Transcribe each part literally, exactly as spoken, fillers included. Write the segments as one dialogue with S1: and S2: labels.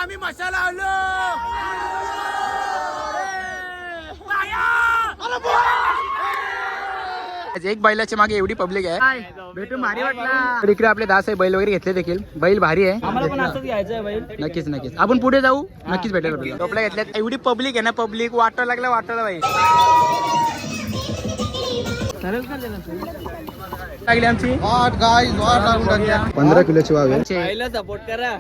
S1: आम्ही मसाला आलो. एक बैलाच्या मागे एवढी पब्लिक आहे, भेटून भारी वाटला. तर इकडे आपले दास आहे, बैल वगैरे घेतले देखील. बैल भारी आहे,
S2: आम्हाला पण असंच घ्यायचं आहे बैल.
S1: नक्कीच नक्कीच आपण पुढे जाऊ, नक्कीच भेटेल आपल्याला. टोपल्या घेतल्यात, एवढी पब्लिक आहे ना, पब्लिक वाटायला लागला वाटायला बाई लागली आमची पंधरा किलोची वाव आहे.
S2: सपोर्ट करा.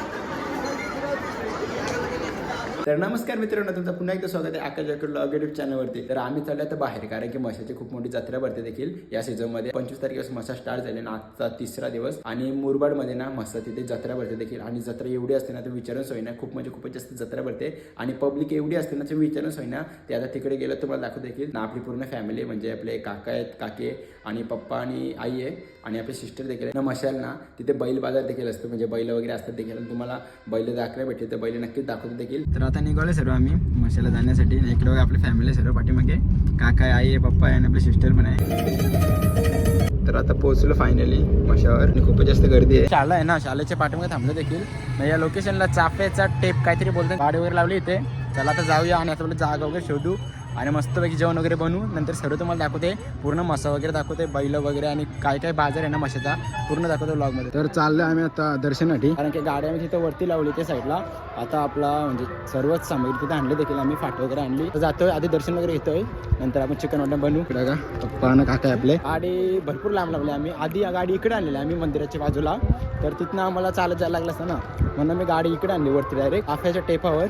S1: तर नमस्कार मित्रांनो, तुमचं पुन्हा एकदा स्वागत आहे आकाश जाकर ब्लॉग युट्यूब चॅनलवरती. तर आम्ही चाललो तर बाहेर, कारण की म्हशाची खूप मोठी जत्रा भरते देखील या सीझनमध्ये. पंचवीस तारखेपासून म्हसा स्टार्ट झाले ना, आजचा तिसरा दिवस. आणि मुरबाडमध्ये ना म्हसा तिथे जत्रा भरते देखील. आणि जत्रा एवढी असते ना, तर विचारून सोय ना, खूप म्हणजे खूपच जास्त जत्रा भरते. आणि पब्लिक एवढी असते ना, तर विचारून सोय ना. ते आता तिकडे गेलं तुम्हाला दाखवू देखील ना. आपली पूर्ण फॅमिली म्हणजे आपले काका आहेत, काके आणि पप्पा आणि आई आहे आणि आपले सिस्टर देखील आहे ना. मशाल ना तिथे बैल बाजार देखील असतो, म्हणजे बैल वगैरे असतात देखील. आणि तुम्हाला बैल दाखवायला भेटते तर बैल नक्कीच दाखवतो देखील. तर आता निघाले सर्व आम्ही मशाला जाण्यासाठी. इकडे आपली फॅमिली सर्व पाठीमागे, काका आई आहे, पप्पा आहे आणि आपले सिस्टर पण आहे. तर आता पोहोचलो फायनली मशावर. आणि खूपच जास्त गर्दी आहे. शाळा आहे ना, शाळेच्या पाठीमागे थांबलो देखील. या लोकेशनला चाफ्याचा टेप काहीतरी बोलतात, गाडी वगैरे लावली इथे. चला आता जाऊया आणि आता जागा वगैरे शोधू आणि मस्तपैकी जेवण वगैरे बनवू. नंतर सर्व तुम्हाला दाखवते, पूर्ण मसा वगैरे दाखवते, बैल वगैरे आणि काय काय बाजार आहे ना मशाचा पूर्ण दाखवतो ब्लॉगमध्ये. तर चाललो आम्ही आता दर्शनासाठी, कारण की गाडी आम्ही तिथं वरती लावली त्या साईडला. आता आपला म्हणजे सर्वच सामग्री तिथे आणली देखील आम्ही, फाट वगैरे आणली. तर जातोय, आधी दर्शन वगैरे घेतोय, नंतर आपण चिकन मटन बनवू. इकडे का पप्पा ना काका आपले. गाडी भरपूर लांब लावली आम्ही. आधी गाडी इकडे आणलेली आम्ही मंदिराच्या बाजूला, तर तिथनं आम्हाला चालत जायला लागलं असतं ना, म्हणून मी गाडी इकडे आणली वरती डायरेक्ट आफ्याच्या टेपावर.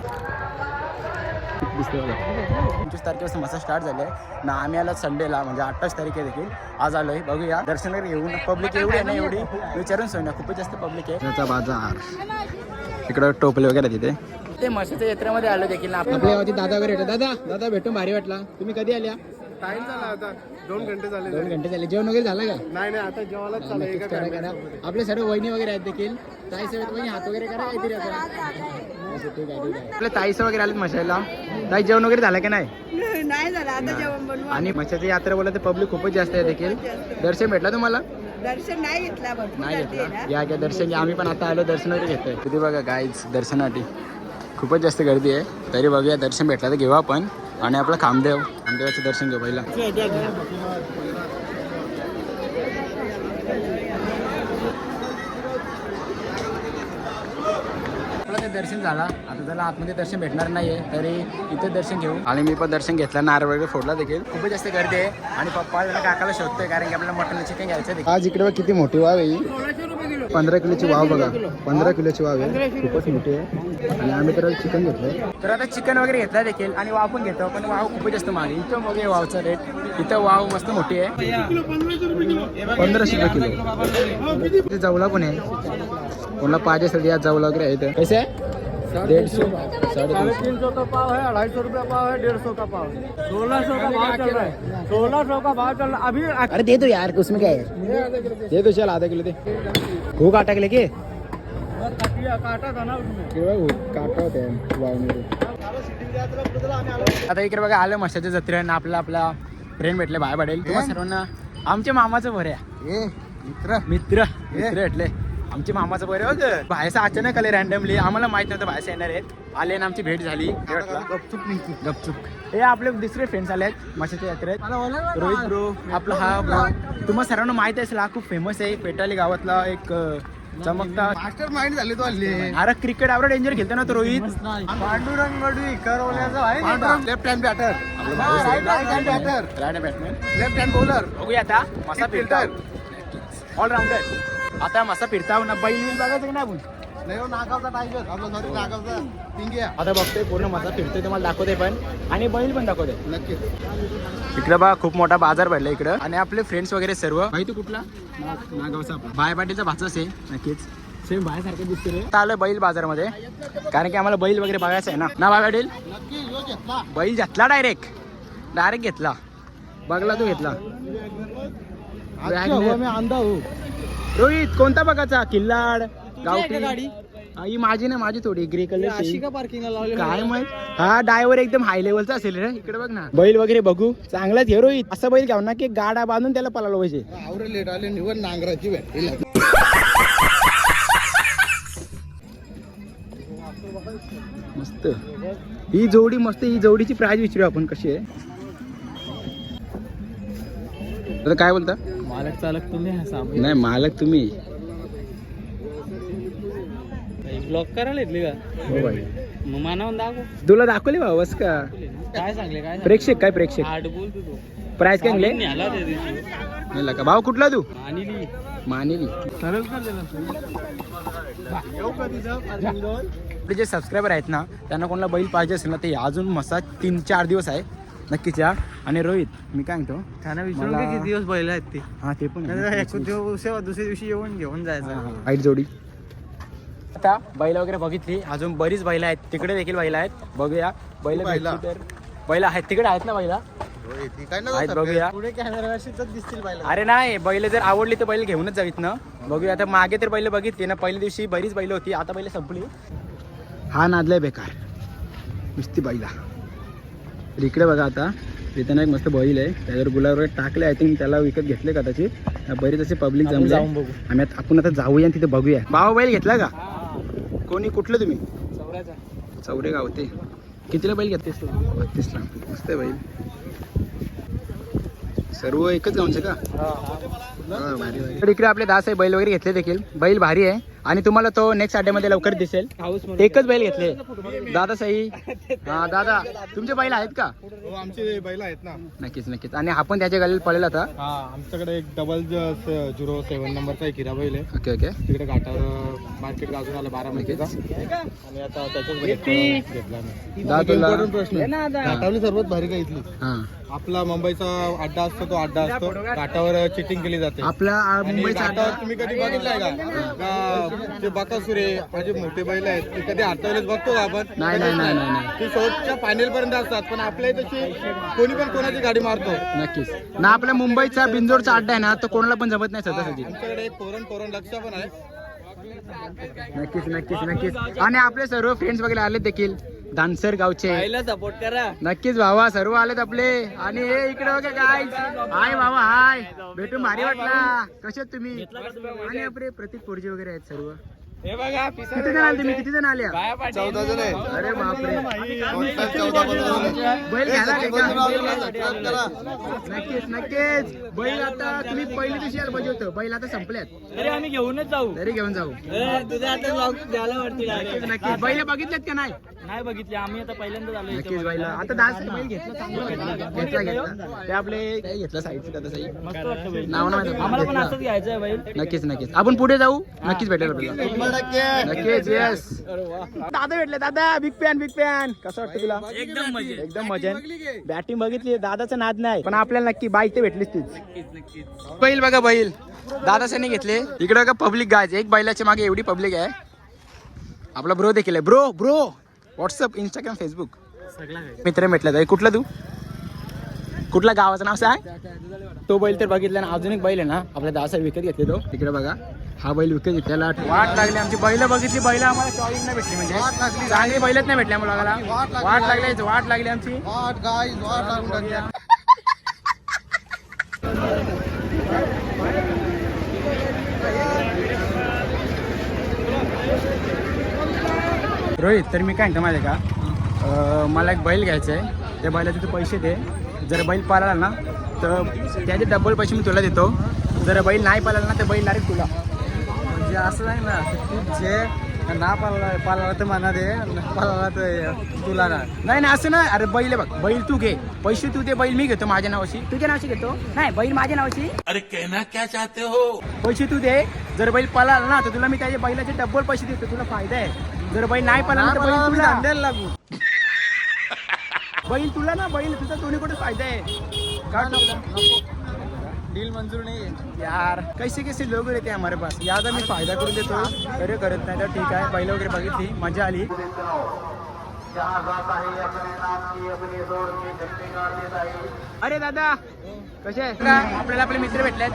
S1: पंचवीस तारखेपासून मसा स्टार्ट झाले ना. आम्ही आलो संडेला, म्हणजे अठ्ठावीस तारीख आहे देखील. आज आलोय, बघूया दर्शन वगैरे घेऊन. पब्लिक एवढी आहे ना, एवढी विचारून सोय ना, खूपच जास्त पब्लिक आहे. त्याचा बाजार इकडं टोपले वगैरे तिथे. ते मशाच्या यात्रेमध्ये आलो देखील ना. आपल्या दादा वगैरे येतो. दादा दादा भेटून भारी वाटला. तुम्ही कधी आल्या?
S3: टाइम झाला आता, दोन घंटे झाले.
S1: दोन घंटे झाले. जेवण वगैरे झालं का?
S3: नाही नाही, आता जेवायलाच चालू.
S1: आपले सर्व वहिनी वगैरे आहेत देखील. ताई सगळ्यात वहिनी हात वगैरे करा काहीतरी. आपल्या ताईस वगैरे आलेत मशाला. ताई जेवण वगैरे झालं की नाही?
S4: नाही झालं, आता जेवण बनवू.
S1: आणि मशाची यात्रा बोलत पब्लिक खूपच जास्त आहे देखील. दर्शन भेटला तुम्हाला?
S4: दर्शन नाही घेतला,
S1: नाही घेतला. या घ्या दर्शन घ्या. आम्ही पण आता आलो दर्शन वगैरे घेतोय. किती बघा गाईज दर्शनासाठी खूपच जास्त गर्दी आहे. तरी बघूया, दर्शन भेटला तर घेऊ आपण. आणि आपलं खामदेव खामदेवाचं दर्शन घेऊ पहिला. दर्शन झाला, आता त्याला आतमध्ये दर्शन भेटणार नाहीये, तरी इथे दर्शन घेऊ. आणि मी पण दर्शन घेतलं, नारळ वगैरे फोडला देखील. खूपच जास्त गर्दी आहे. आणि पप्पा काकाला शोधतोय, कारण की आपल्याला मटन चिकन घ्यायचं. आज इकडे किती मोठी वाव आहे, पंधरा किलोची वाव बघा. पंधरा किलोची वाव आहे, खूपच मोठी आहे. आणि आम्ही तर चिकन घेतलंय. तर आता चिकन वगैरे घेतला देखील आणि वाव पण घेतो. पण वाव खूपच जास्त मागे. इथं मग वावचा रेट, इथं वाव मस्त मोठी आहे, पंधराशे रुपये किलो. इथे जवला पण आहे, कोणाला पाहिजे असेल या जवला वगैरे आहे. इथं कैसे आहे? डेढ़ सौ, साढ़े
S3: तीन सौ का पाव है, अढ़ाई सौ रुपया पाव है, डेढ़ सौ का पाव, सोलह सौ का भाव चल रहा है. सोलह सौ का भाव चल रहा है अभी.
S1: अरे दे दो यार, उसमें क्या है, दे दो. चल आधा किलो दे. खूप काटा के लेके
S3: काटा था ना उसमें,
S1: काटा होते वाव मध्ये. आता इकडे बघा आलं मशाच्या जत्रेनं. आपला आपला फ्रेंड भेटले, बाय पडेल तुम्हाला सर्वांना. आमच्या मामाचं बरं आहे, मित्र मित्र मित्र भेटले. आमच्या मामाचं बरं बघ. बाहेरचं अचानक आले रॅन्डमली, आम्हाला माहित नव्हतं बाहेरचं येणार आहेत. आले ना, आमची भेट झाली. गपचूप गपचूप हे आपले दुसरे फ्रेंड्स आले आहेत मशाच्या यात्रेत. रोहित ब्रो आपला, हा ब्रो तुम्हाला सर्वांना माहित असेल, हा खूप फेमस आहे पेटाली गावातला एक चमकता
S3: मास्टर माइंड झाले तो हल्ली.
S1: अरे क्रिकेट आवडा डेंजर खेळतो ना तो रोहित.
S3: पांडुरंग गडी करवल्याचा आहे, left hand batter,
S1: right hand batter, right hand batsman,
S3: left hand bowler.
S1: बघूया आता मसा फिरता ऑलराऊंडर. आता मसा फिरता ना, बैल बिल बघायचं की नाही आपण.
S3: नाही हो, नागावचा टायगर आपला, सॉरी नागावचा पिंग्या.
S1: आता बघतोय पूर्ण मसा फिरतोय, तुम्हाला दाखवते पण आणि बैल पण दाखवते
S3: नक्कीच.
S1: इकडं बा खूप मोठा बाजार भरला इकडं. आणि आपले फ्रेंड्स वगैरे सर्व. माहिती कुठला? नागावचा आपला बाय पाटीलचा भाचाच आहे. नक्कीच सेम बायासारखं दिसते रे. आता आलोय बैल बाजारमध्ये, कारण की आम्हाला बैल वगैरे बघायचं आहे ना. ना बाय पाटील बैल घेतला, डायरेक्ट डायरेक्ट घेतला. बघला तू घेतला.
S3: मी अंधा हो.
S1: रोहित कोणता बघायचा? किल्लाड गावठी गाडी? ही माझी ना, माझी थोडी ग्रे कलर
S3: पार्किंगला लावले
S1: काय माहित. हा ड्रायव्हर एकदम हाय लेवलचा असेल रे. इकडे बघ ना, बैल वगैरे बघू. चांगलाच हे रोहित. असं बैल घ्याव ना की गाडा बांधून त्याला पळायला पाहिजे.
S3: आवरे लेट आले, निवड नांगराची भेटली.
S1: ही जोडी मस्त, ही जोडीची प्राइस विचारू आपण कशी आहे. आता काय बोलता?
S3: मालक चालक तुम्ही
S1: नाही मालक तुम्ही.
S3: ब्लॉक करायला येतली का?
S1: हो बाई.
S3: मग मानावून दाखव.
S1: तुला दाखवले भाऊ बस का?
S3: काय सांगले काय
S1: प्रेक्षक काय प्रेक्षक
S3: आठ बोल तू तो
S1: प्राइस काय आणले?
S3: न्याला त्या दिवशी
S1: नाही का भाऊ कुठला तू?
S3: आणि
S1: मानेली.
S3: सरळ कर दिला
S1: आपले जे सबस्क्रायबर आहेत ना त्यांना कोणाला बैल पाहिजे असेल ना ते अजून मसा तीन चार दिवस आहे नक्कीच या. आणि रोहित मी काय म्हणतो
S3: त्यांना विचारून
S1: मला-
S3: किती दिवस बैल आहेत ते.
S1: हा ते पण आहे.
S3: दुसऱ्या दिवशी येऊन घेऊन जायचं.
S1: वाईट जोडी. आता बैल वगैरे बघितली, अजून बरीच बैल आहेत तिकडे देखील बैल आहेत. बघूया बैल भेटली तर. बैल आहेत तिकडे आहेत ना बैला आहेत, बघूया.
S3: पुढे कॅमेरा दिसतील बैल.
S1: अरे नाही बैल जर आवडली तर बैल घेऊनच जावीत ना. बघूया आता. मागे तर बैल बघितली ना पहिल्या दिवशी बरीच बैल होती, आता बैल संपली. हा नादलाय बेकार नुसती बैला. तर इकडे बघा आता इथं एक मस्त बैल आहे त्याच्यावर गुलाब टाकले. आय थिंक त्याला विकत घेतले कदाचित. बरीच असे पब्लिक जमले.
S3: जाऊन बघू.
S1: आम्ही आता आपण आता जाऊया आणि तिथे बघूया. भावा बैल घेतला का? कोणी कुठलं तुम्ही?
S3: चौऱ्याचा
S1: चौरे गाव ते. कितीला बैल घेतलीस तू? बत्तीसला. मस्त आहे बैल. सर्व एकच गावचे का? हा, भारी भारी. तर इकडे आपले दास आहे बैल वगैरे घेतले देखील. बैल भारी आहे आणि तुम्हाला तो नेक्स्ट अड्ड्यामध्ये लवकर दिसेल. एकच बैल घेतले दादा सही. हा दादा तुमचे बैल आहेत का?
S3: हो आमचे बैल आहेत ना.
S1: नक्कीच नक्कीच. आणि आपण त्याच्या गाडीला पळेल आता.
S3: हा आमच्याकडे एक डबल झिरो सेवन नंबरचा एक हिरा बैल आहे.
S1: Okay okay.
S3: तिकडे घाटावर मार्केट गाजून आलं बारा महिन्याचा. आणि आता त्याच्याच घेतला आम्ही.
S1: दादाला
S3: प्रश्न घाटावली सर्वात भारी का इथली.
S1: हा
S3: आपला मुंबईचा अड्डा असतो तो अड्डा असतो. घाटावर चिटिंग केली जाते.
S1: आपला
S3: आणि
S1: मुंबईचा
S3: घाटावर
S1: अड्डा.
S3: तुम्ही कधी बघितलंय का? का ते बकासुरे माझे मोठे बैल आहेत ते कधी हातावलेच बघतो का आपण?
S1: नाही नाही नाही नाही नाही.
S3: ते शेवटच्या फायनल पर्यंत असतात. पण आपल्या इथे कोणी पण कोणाची गाडी मारतो.
S1: नक्कीच ना. आपल्या मुंबईचा बिंजोरचा अड्डा आहे ना तो कोणाला पण जमत नाही सहजासहजी.
S3: आमच्याकडे एक पोरण पोरण लक्ष पण आहे.
S1: नक्कीच नक्कीच नक्कीच. आणि आपले सर्व फ्रेंड्स वगैरे आले देखील दानसर गावचे.
S3: सपोर्ट करा.
S1: नक्कीच भावा सर्व आलेत आपले. आणि हे इकडे बघा काय हाय भावा हाय भेटून भारी वाटला. कसे आहेत तुम्ही? आणि आपले प्रतीक पोरजे वगैरे आहेत सर्व.
S3: हे बघा
S1: किती जण आले तुम्ही? किती जण आल्या?
S3: चौदा जण आहे.
S1: अरे बापरे.
S3: चौदा
S1: बैल घ्यायला का? नक्कीच नक्कीच. बैल आता तुम्ही पहिली दिवशी यायला पाहिजे होतं. बैल आता संपल्यात.
S3: अरे आम्ही घेऊनच जाऊ.
S1: तरी घेऊन जाऊ.
S3: तुझ्या आता ब्लॉग द्यायला वाटते.
S1: नक्कीच नक्कीच. बैल बघितलेत का नाही?
S3: नाही बघितले आम्ही आता पहिल्यांदा आलो.
S1: नक्कीच बैल आता दास बैल घेतला चांगला घेतला घेतला घेतला. ते आपले काय घेतला साईडचं दादा साई
S3: मस्त वाटतं बैल.
S1: नाव नाही
S3: आम्हाला पण
S1: माहिती.
S3: असंच घ्यायचं आहे बैल.
S1: नक्कीच नक्कीच. आपण पुढे जाऊ. नक्कीच भेटेल आपल्याला. नक्कीच येस. दादा भेटले. दादा बिग फॅन बिग फॅन. कसं वाटतं तुला?
S3: एकदम मजे.
S1: एकदम मजा. बॅटिंग बघितली दादाचं नाद नाही पण आपल्याला नक्की बाईक ते भेटलीच तीच. बैल बघा बैल दादासाने घेतले. इकडे बघा पब्लिक गाज. एक बैलाच्या मागे एवढी पब्लिक आहे. आपला ब्रो देखील आहे. Bro bro WhatsApp Instagram Facebook मित्र भेटला. कुठला तू? कुठला गावाचं नाव सांग? तो बैल तर बघितला ना. अजून एक बैल आहे ना आपल्या दासा विकत घेतले तो. तिकडे बघा हा बैल विकत घेतलेला. वाट लागली आमची. बैल बघितली. बैल आम्हाला चॉईस नाही भेटली म्हणजे चांगली बैलच नाही भेटली आम्हाला. वाट लागली वाट लागली आमची. रोहित तर मी काय म्हणतो माहिती आहे का? अं, मला एक बैल घ्यायचं आहे. त्या बैलाचे तू पैसे दे. जर बैल पाळाला ना तर त्याचे डबल पैसे मी तुला देतो. जर बैल नाही पाळाला ना तर बैल डायरेक्ट तुला.
S3: म्हणजे असं नाही ना. जे ना पाला पाला तर म्हणा दे. पाला तर तुला ना.
S1: नाही नाही असं नाही. अरे बैल बघ बैल तू घे. पैसे तू दे. बैल मी घेतो माझ्या नावाशी. तुझ्या नावाशी घेतो. नाही बैल माझ्या नावाशी.
S2: अरे कहना क्या चाहते हो?
S1: पैसे तू दे. जर बैल पळाला ना तर तुला मी त्याचे बैलाचे डबल पैसे देतो. तुला फायदा आहे. जर बैल नाही पळाला तर बैल तुला
S3: द्यायला लागू.
S1: बैल तुला ना. बैल तुझा दोन्ही कुठे फायदा आहे का?
S3: डील मंजूर नाही आहे
S1: यार. कैसे कैसे लोक रहते हैं हमारे पास. यादा मी फायदा करून देतो. अरे करत नाही तर ठीक आहे. बैल वगैरे बघितली मजा आली. अरे दादा कसे आहे? आपल्याला आपले मित्र भेटलेत.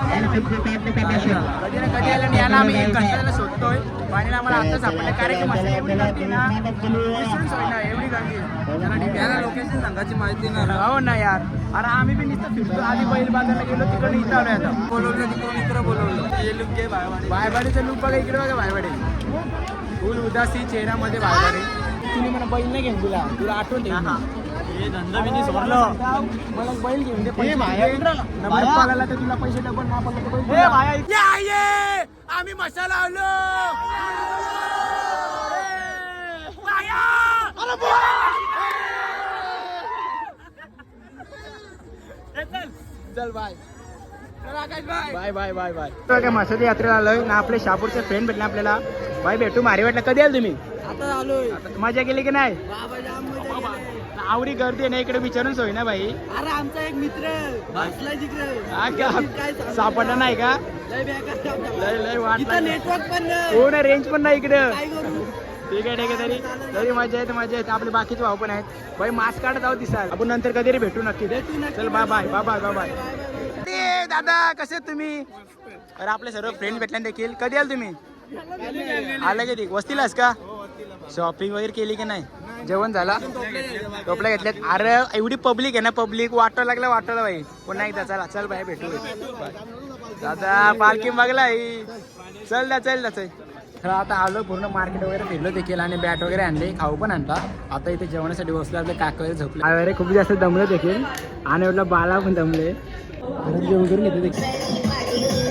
S1: कधी ना कधी आला याला आम्ही कंटाळायला शोधतोय. पाणी आम्हाला आता सापडलं कारण की मस्त एवढी गर्दी ना. विसरून सोय ना एवढी गर्दी.
S3: त्याला लोकेशन सांगायची माहिती नाही.
S1: हो ना यार. अरे आम्ही बी नुसतं फिरतो. आधी बैल बाजारला गेलो तिकडे इथं आलोय आता.
S3: बोलवलं तिकडून मित्र बोलवलं. हे लुक घे बायवाडी.
S1: बायवाडीचं लुक बघा इकडे बघा. बायवाडी फुल उदासी चेहऱ्यामध्ये बायवाडी. तिने मला बैल नाही घेऊन दिला तुला आठवण ठेव.
S3: हे धंदा बिंदी सोडलं.
S1: मला बैल घेऊन दे पैसे
S3: भाया,
S1: दे. नंबर
S3: भाया.
S1: पाळायला तर तुला पैसे डबल ना पाळला तर बैल
S3: ए
S1: दिला.
S3: भाया,
S1: आम्ही मसाला आलो चल bye bye bye bye bye काय मसाला यात्रेला आलोय ना आपले शहापूरचे फ्रेंड भेटले आपल्याला बाय भेटू मारी वाटलं कधी आल तुम्ही
S4: आता आलोय
S1: आता मजा केली की नाही
S4: बाबा जाम मजा केली.
S1: आवडी गर्दी आहे ना इकडे विचारून सोय ना भाई
S4: अरे आमचा एक मित्र बसलाय तिकडे
S1: हा का
S4: काय सांगू?
S1: सापडला नाही का
S4: लय बेकार काम झालं.
S1: लय लय वाट
S4: इथं नेटवर्क पण नाही.
S1: हो ना रेंज पण नाही इकडं
S4: काय करू
S1: ठीक आहे ठीक आहे तरी तरी मजा येते मजा येते आपले बाकीचे भाऊ पण आहेत भाई मास्क काढत जाऊ दिसाल आपण नंतर कधी भेटू नक्की चल bye bye bye bye bye bye ते दादा कसे आहेत तुम्ही अरे आपले सर्व फ्रेंड भेटले देखील कधी आल तुम्ही आलं कधी वस्तीलाच का शॉपिंग वगैरे केली की नाही जेवण झाला टोपल्या घेतल्यात अरे एवढी पब्लिक आहे ना पब्लिक वाटायला लागला वाटायला भाई पुन्हा एकदा चला चल बाय भेटू बाय. दादा पार्किंग बघला ही चल ना चल ना चल तर आता आलो पूर्ण मार्केट वगैरे फिरलो देखील आणि बॅट वगैरे आणले खाऊ पण आणला आता इथे जेवणासाठी बसलो आपले काका वगैरे झोपले वगैरे खूप जास्त दमले देखील आणि म्हटलं बाला पण दमले घरात जेवण करून घेतो देखील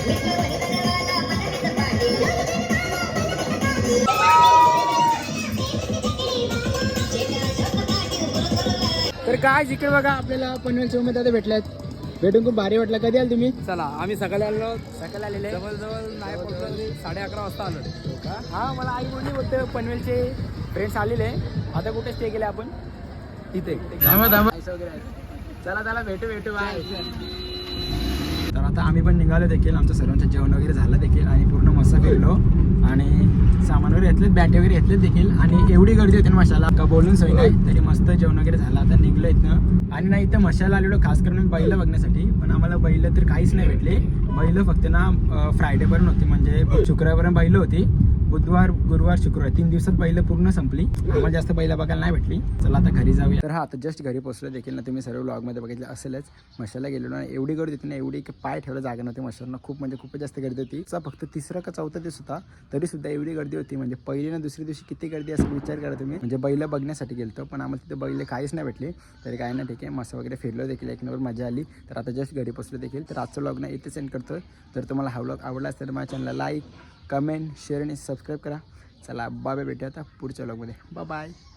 S1: तर काय जिकडे बघा आपल्याला पनवेल चौक मध्ये आता भेटल्यात भेटून खूप भारी वाटलं कधी आल तुम्ही
S3: चला आम्ही सकाळी आलो
S1: सकाळी आलेले
S3: जवळजवळ नाही पोहोचलो साडे अकरा वाजता आलो
S1: हो का हा मला आई बोलली होतं पनवेलचे फ्रेंड्स आलेले आता कुठे स्टे केले आपण तिथे आईस वगैरे आहे. चला चला भेटू भेटू बाय तर आता आम्ही पण निघालो देखील आमचं सर्वांचं जेवण वगैरे झालं देखील आणि पूर्ण मस्त फिरलो आणि सामान वगैरे घेतलेत बॅट वगैरे घेतलेत देखील आणि एवढी गर्दी होती ना मशाला का बोलून सोय नाही तरी मस्त जेवण वगैरे झालं आता निघलो इथनं आणि नाही इथं मशाला आलेलो खास करून बैल बघण्यासाठी पण आम्हाला बैल तर काहीच नाही भेटले बैल फक्त ना फ्रायडेपर्यंत होती म्हणजे शुक्रवारपर्यंत बैल होती बुधवार गुरुवार शुक्रवार तीन दिवसात बैल पूर्ण संपली आम्हाला जास्त बैल बघायला नाही भेटली चला आता घरी जाऊया तर हा आता जस्ट घरी पोहोचलो देखील ना तुम्ही सर्व व्लॉगमध्ये बघितलं असेलच मशाला गेलो ना एवढी गर्दी होती ना एवढी की पाय ठेवलं जागा नव्हती मशाला खूप म्हणजे खूपच जास्त गर्दी होती चा फक्त तिसरा का चौथा दिवस होता तरी सुद्धा एवढी गर्दी होती म्हणजे पहिली ना दुसऱ्या दिवशी किती गर्दी असं विचार करा तुम्ही म्हणजे बैल बघण्यासाठी गेलतो पण आम्हाला तिथे बैल काहीच नाही भेटले तरी काय ना ठीक आहे मस्त वगैरे फिरलो देखील एक नंबर मजा आली तर आता जस्ट घरी पोहोचलो देखील तर आजचं व्लॉग ना इथे सेंड करतो तर तुम्हाला हा व्लॉग आवडला असेल तर माझ्या चॅनलला लाईक कमेंट शेअर आणि सबस्क्राईब करा चला बाय बाय भेटूया आता पुढच्या व्लॉगमध्ये बाय बाय